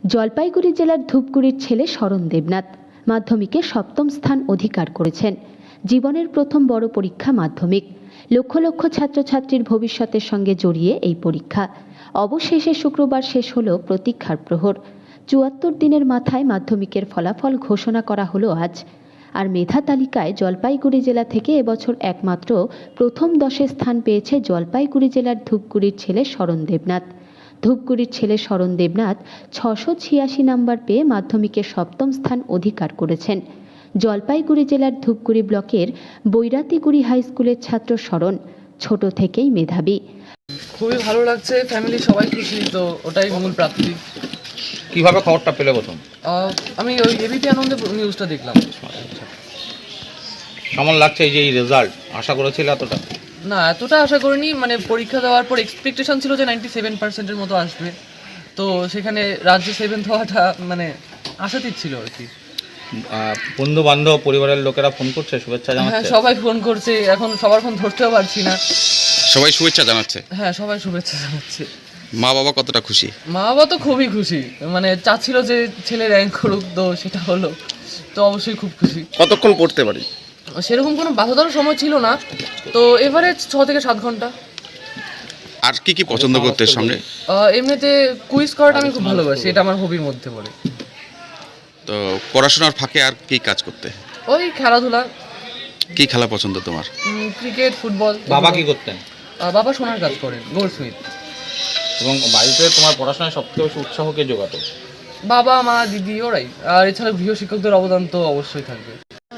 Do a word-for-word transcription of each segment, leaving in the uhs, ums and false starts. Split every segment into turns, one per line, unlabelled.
জলপাইগুড়ি জেলার ধূপগুড়ির ছেলে শরণ দেবনাথ মাধ্যমিকে সপ্তম স্থান অধিকার করেছেন। জীবনের প্রথম বড় পরীক্ষা মাধ্যমিক। লক্ষ লক্ষ ছাত্রছাত্রীর ভবিষ্যতের সঙ্গে জড়িয়ে এই পরীক্ষা। অবশেষে শুক্রবার শেষ হল প্রতীক্ষার প্রহর। চুয়াত্তর দিনের মাথায় মাধ্যমিকের ফলাফল ঘোষণা করা হলো আজ। আর মেধা তালিকায় জলপাইগুড়ি জেলা থেকে এবছর একমাত্র প্রথম দশে স্থান পেয়েছে জলপাইগুড়ি জেলার ধূপগুড়ির ছেলে শরণ দেবনাথ। ধূপগুড়ির ছেলে শরণ দেবনাথ ছশো ছিয়াশি নম্বর পেয়ে মাধ্যমিকে সপ্তম স্থান অধিকার করেছেন। জলপাইগুড়ি জেলার ধূপগুড়ি ব্লকের বৈরাতিগুড়ি হাই স্কুলের ছাত্র শরণ ছোট থেকেই মেধাবী।
খুবই ভালো লাগছে, ফ্যামিলি সবাই খুশি, তো ওটাই মূল প্রাপ্তি।
কিভাবে খবরটা পেলে প্রথম?
আমি ওই এবিপি আনন্দে নিউজটা দেখলাম।
কেমন লাগছে এই যে এই রেজাল্ট? আশা করেছিল এতটা?
না, এতটা আশা করিনি। মানে পরীক্ষা দেওয়ার পর এক্সপেকটেশন ছিল যে নাইনটি সেভেন পার্সেন্টের মতো আসবে, তো সেখানে রাজ্যে সেভেন্থ হওয়াটা মানে আশাতীত ছিল আর কি।
বন্ধু বান্ধব পরিবারের লোকেরা ফোন করছে, শুভেচ্ছা জানাচ্ছে?
হ্যাঁ, সবাই ফোন করছে, এখন সবার ফোন ধরতেও পারছি না।
সবাই শুভেচ্ছা জানাচ্ছে?
হ্যাঁ, সবাই শুভেচ্ছা জানাচ্ছে।
মা বাবা কতটা খুশি?
মা বাবা তো খুবই খুশি, মানে চাচ্ছিল যে ছেলে র্যাঙ্ক করুক, তো সেটা হলো, তো অবশ্যই খুব খুশি।
কতক্ষণ পড়তে পারি?
সেরকম কোনো বাধাদার সময় ছিল না, তো এভারেজ ছ থেকে সাত ঘন্টা।
আর কি কি পছন্দ করতে সামনে?
এমনিতে কুইজ করাটা আমি খুব ভালোবাসি, এটা আমার হবির মধ্যে পড়ে।
তো পড়াশোনার ফাঁকে আর কি কাজ করতে?
ওই খেলাধুলা।
কি খেলা পছন্দ তোমার?
Cricket, football.
বাবা কি করতেন?
বাবা সোনার কাজ করেন, গোল্ড স্মিথ।
এবং বাড়িতে তোমার পড়াশোনায় সবথেকে বেশি উৎসাহ কে জোগাতো?
বাবা, মা, দিদি, ওরাই। আর এছাড়া গৃহ শিক্ষকদের অবদান তো অবশ্যই থাকবে।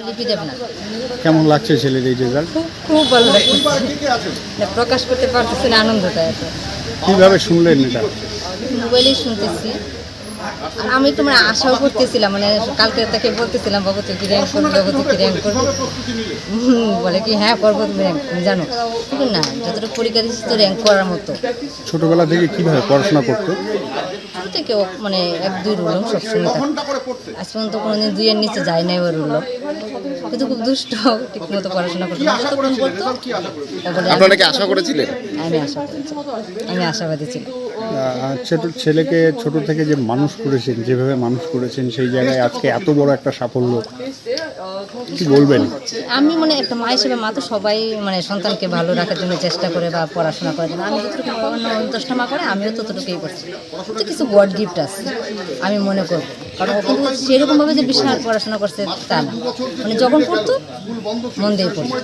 কেমন লাগছে ছেলের এই রেজাল্ট?
খুব ভালো লাগছে, প্রকাশ করতে পারতেছি না আনন্দটা। এত
কিভাবে শুনলেন এটা?
মোবাইলেই শুনতেছি। আর আমি তো মানে আশাও করতেছিলাম, মানে কালকে তাকে বলতেছিলাম, বাবু তুই কি র্যাঙ্ক করবি, বাবু তুই কি র্যাঙ্ক করবি। বলে কি হ্যাঁ করবো, তুমি র্যাঙ্ক জানো কিন্তু না, যতটুকু পরীক্ষা দিচ্ছি তো র্যাঙ্ক করার মতো।
ছোটবেলা থেকে কিভাবে পড়াশোনা করতো?
ছোটো থেকে ও মানে এক দুই রুলম সবসময় থাকতো। আজ পর্যন্ত কোনোদিন দুইয়ের নিচে যায় নাই ওর রুল, কিন্তু খুব দুষ্ট, ঠিক মতো পড়াশোনা করতো।
আপনারা কি আশা করেছিলেন?
আমি আশা করেছি, আমি আশাবাদী ছিলাম।
ছোট ছেলেকে ছোট থেকে যে মানুষ করেছেন, যেভাবে মানুষ করেছেন, সেই জায়গায় আজকে এত বড় একটা সাফল্য, কি বলবেন?
আমি মানে একটা মা হিসেবে, মা তো সবাই মানে সন্তানকে ভালো রাখার জন্য চেষ্টা করে বা পড়াশোনা করার জন্য। আমি যতটুকু অন্য অন্তষ্টা মা করে, আমিও ততটুকুই করছি। তো কিছু গড গিফট আছে আমি মনে করবো, কারণ ও কিন্তু সেরকমভাবে যে বিশাল পড়াশোনা করছে তা না, মানে যখন পড়তো মন দিয়ে পড়তো।